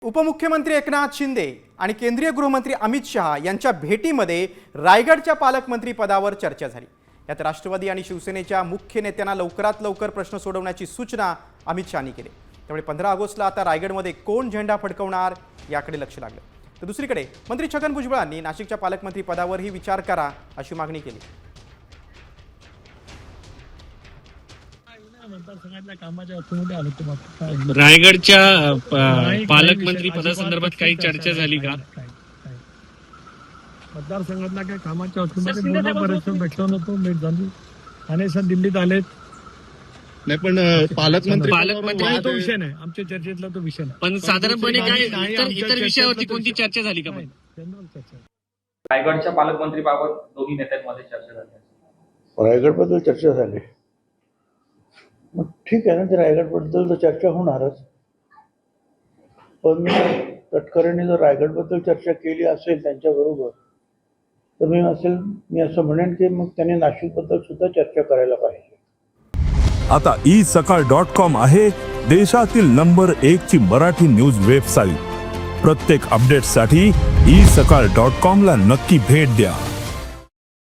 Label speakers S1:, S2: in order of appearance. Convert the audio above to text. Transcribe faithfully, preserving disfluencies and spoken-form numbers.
S1: उपमुख्यमंत्री एकनाथ शिंदे आणि केंद्रीय गृहमंत्री अमित शहा यांच्या भेटीमध्ये रायगडच्या पालकमंत्री पदावर चर्चा झाली। यात राष्ट्रवादी आणि शिवसेनेच्या मुख्य नेत्यांना लवकरात लवकर प्रश्न सोडवण्याची सूचना अमित शहानी केली। त्यामुळे पंधरा ऑगस्टला आता रायगडमध्ये कोण झेंडा फडकवणार याकडे लक्ष लागलं। तर दुसरीकडे मंत्री छगन भुजबळांनी नाशिकच्या पालकमंत्री पदावरही विचार करा अशी मागणी केली।
S2: रायगडच्या पालकमंत्री पदासंदर्भात काही चर्चा झाली का?
S3: मतदारसंघातल्या काही कामाच्या बाबतीमध्ये बोलणं बरेच भेटलो नव्हतो, भेट झाली आणि सर दिल्लीत आलेत।
S4: नाही पण पालकमंत्री
S2: पालकमंत्री
S3: तो विषय नाही, आमच्या चर्चेतला तो विषय नाही।
S2: पण साधारणपणे काय इतर इतर विषयावरती कोणती चर्चा झाली का?
S3: जनरल चर्चा
S5: रायगडच्या पालकमंत्रीबाबत दोन्ही नेत्यांमध्ये चर्चा झाली।
S6: रायगडबद्दल चर्चा झाली, मग ठीक आहे ना, ते रायगडबद्दल तर चर्चा होणारच। पण तटकरेंनी जर रायगडबद्दल चर्चा केली असेल त्यांच्याबरोबर तर मी असेल मी असं म्हणेन की मग त्यांनी नाशिकबद्दल सुद्धा चर्चा करायला पाहिजे।
S7: आता ई सकाळ डॉट कॉम आहे देशातील नंबर एक ची मराठी न्यूज वेबसाईट। प्रत्येक अपडेटसाठी ई सकाळ डॉट कॉम ला नक्की भेट द्या।